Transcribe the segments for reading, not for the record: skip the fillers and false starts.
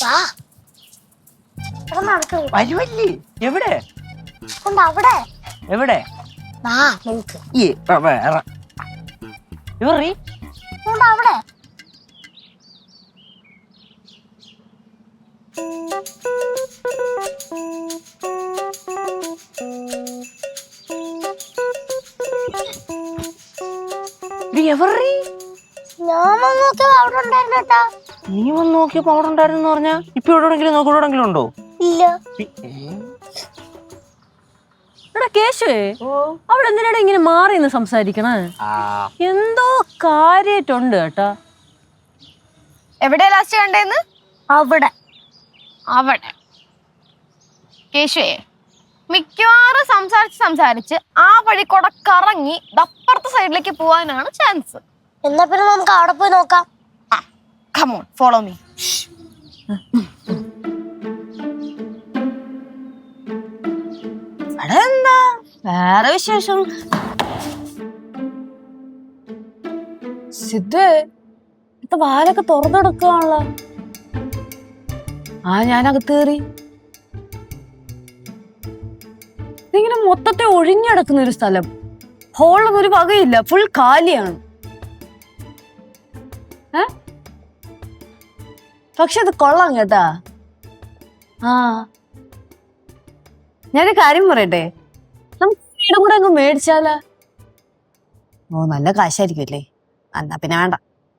വരുവല്ലേ? എവിടെ അവിടെ എവിടെ അവിടെ നീ വന്ന് നോക്കിയപ്പോ അവിടെ ഉണ്ടായിരുന്നു പറഞ്ഞാ ഇപ്പൊ എവിടെയെങ്കിലും നോക്കിയെങ്കിലും ഉണ്ടോ? ഇല്ല. എടാ കേശുവേ, അവിടെ എന്തിനാണ് ഇങ്ങനെ മാറി നിന്ന് സംസാരിക്കണേ? എന്തോ കാര്യായിട്ടുണ്ട് കേട്ടാ. എവിടെയാ ലാസ്റ്റ് കണ്ടേന്ന്? അവിടെ അവിടെ. കേശുവേ, മിക്കവാറും സംസാരിച്ച് ആ വഴി കൂടെ കറങ്ങി അപ്പുറത്തെ സൈഡിലേക്ക് പോവാനാണ് ചാൻസ്. എന്നാ പിന്നെ നമുക്ക് അവിടെ പോയി നോക്കാം. Come on, follow me. എന്താ വേറെ വിശേഷം? സിദ്ധേ, ഇപ്പൊ വാലൊക്കെ തുറന്നെടുക്കുകയാണല്ലോ. ഞാനകത്ത് കയറി. ഇതിങ്ങനെ മൊത്തത്തെ ഒഴിഞ്ഞടക്കുന്ന ഒരു സ്ഥലം. ഹോളൊന്നും ഒരു വകയില്ല, ഫുൾ കാലിയാണ്. പക്ഷെ അത് കൊള്ളാം കേട്ടാ. ഞാനൊരു കാര്യം പറയട്ടെ, നമുക്ക് വീടും കൂടെ അങ്ങ് മേടിച്ചാലാ? നല്ല കാശായിരിക്കും അല്ലേ? എന്നാ പിന്നെ വേണ്ട.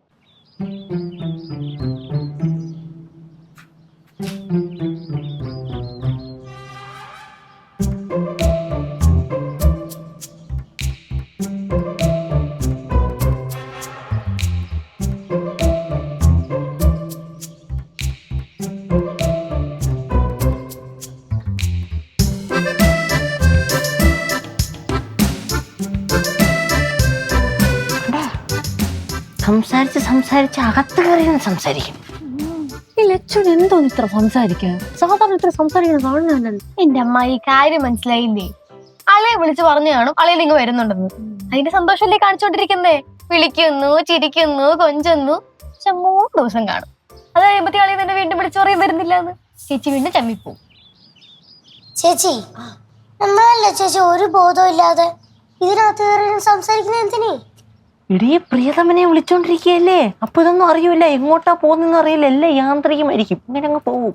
സംസാരിച്ച് അകത്ത് കയറി സംസാരിക്കും. ഈ ലച്ചുൻ എന്തോന്ന് ഇത്ര സംസാരിക്കാൻ? സാധാരണ ഇത്ര സംസാരിക്കുന്ന കാണുന്നല്ലോ. എന്റെ അമ്മ, ഈ കാര്യം മനസ്സിലായില്ലേ? അളയെ വിളിച്ച് പറഞ്ഞു കാണും അളയിൽ ഇങ്ങ് വരുന്നുണ്ടെന്ന്. അതിന്റെ സന്തോഷമല്ലേ കാണിച്ചോണ്ടിരിക്കുന്നേ? വിളിക്കുന്നു, ചിരിക്കുന്നു, കൊഞ്ചുന്നു. പക്ഷെ 3 ദിവസം കാണും. അത് കഴിയുമ്പത്തേ അളയെ തന്നെ വീണ്ടും വിളിച്ചു പറയും വരുന്നില്ല എന്ന്. ചേച്ചി വീണ്ടും ചമ്മിപ്പോവും. ചേച്ചി, നമ്മളല്ലേ ചേച്ചി ഒരു ബോധവും ഇല്ലാതെ ഇതിനകത്ത് കയറി സംസാരിക്കുന്ന എന്തിനീ? ഇടിയെ പ്രിയതമനെ വിളിച്ചോണ്ടിരിക്കുകയല്ലേ. അപ്പൊ ഇതൊന്നും അറിയൂല, എങ്ങോട്ടാ പോകുന്നെന്ന് അറിയില്ല. എല്ലാം യാന്ത്രികമായിരിക്കും. ഇങ്ങനെ അങ്ങ് പോവും.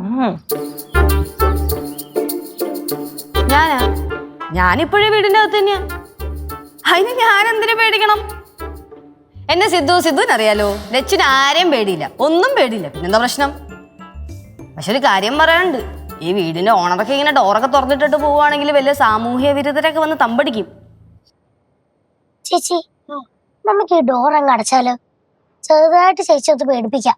ഞാനിപ്പോഴേ വീടിന്റെ അകത്ത് തന്നെയാ. അതിന് ഞാൻ എന്തിനു പേടിക്കണം? എന്നെ സിദ്ധുവിനറിയാലോ. ലച്ചിന് ആരെയും പേടിയില്ല, ഒന്നും പേടിയില്ല. പിന്നെന്താ പ്രശ്നം? പക്ഷെ ഒരു കാര്യം പറയാനുണ്ട്. ഈ വീടിന്റെ ഓണറൊക്കെ ഇങ്ങനെ ഡോറൊക്കെ തുറന്നിട്ടിട്ട് പോവുകയാണെങ്കിൽ വലിയ സാമൂഹ്യ വിരുദ്ധരൊക്കെ വന്ന് തമ്പടിക്കും. ചേച്ചി, നമുക്ക് ഈ ഡോർ അങ്ങ് അടച്ചാലോ? ചെറുതായിട്ട് ചേച്ചി ഒന്ന് പേടിപ്പിക്കാം.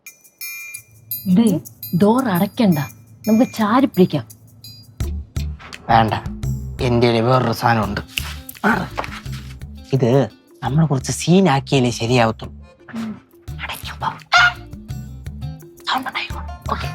ഡോർ അടയ്ക്കണ്ട, നമുക്ക് ചാരി പിടിക്കാം. വേണ്ട, എന്റെ വേറൊരു സാധനമുണ്ട്. ഇത് നമ്മൾ കുറച്ച് സീനാക്കിയാലേ ശരിയാവത്തുള്ളൂ. അടയ്ക്കുമ്പോ സൗണ്ട് ഉണ്ടായിക്കോ. ഓക്കെ.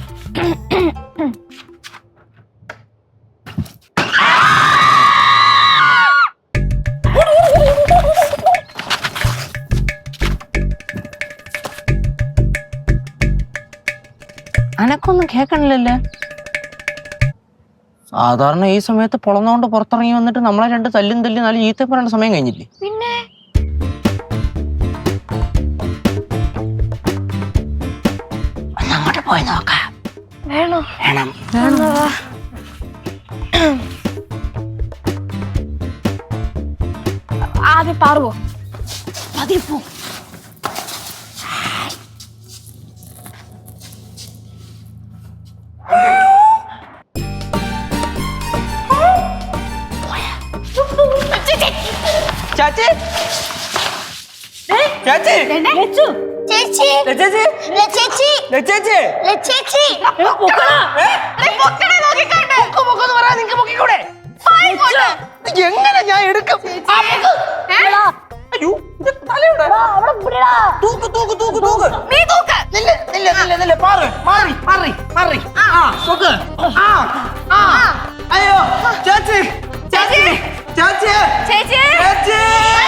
അനക്കൊന്നും കേക്കണില്ലല്ലേ? സാധാരണ ഈ സമയത്ത് പൊളന്നോണ്ട് പുറത്തിറങ്ങി വന്നിട്ട് നമ്മളെ 2 തല്ലും നല്ല ചീത്ത പറയേണ്ട സമയം കഴിഞ്ഞില്ലേ? പിന്നെ അങ്ങോട്ട് പോയി നോക്കാം. വേണോ? വേണം. ആദ്യം പാറുവോ? അതിപ്പോ ചാച്ചി, ചാച്ചി, ചേച്ചി, ചേച്ചി, ചേച്ചി, ചേച്ചി, എങ്ങനെ ഞാൻ എടുക്കും? അയ്യോ, ഇത് തലയുടെ തൂക്ക് തൂക്ക് തൂക്ക് തൂക്ക്. നീ തൂക്ക്. നില്ല മാറി മാറി മാറി മാറി. തൂക്ക്. അയ്യോ, ചേച്ചി ചേച്ചി ചേച്ചി ചേച്ചി ചേച്ചി.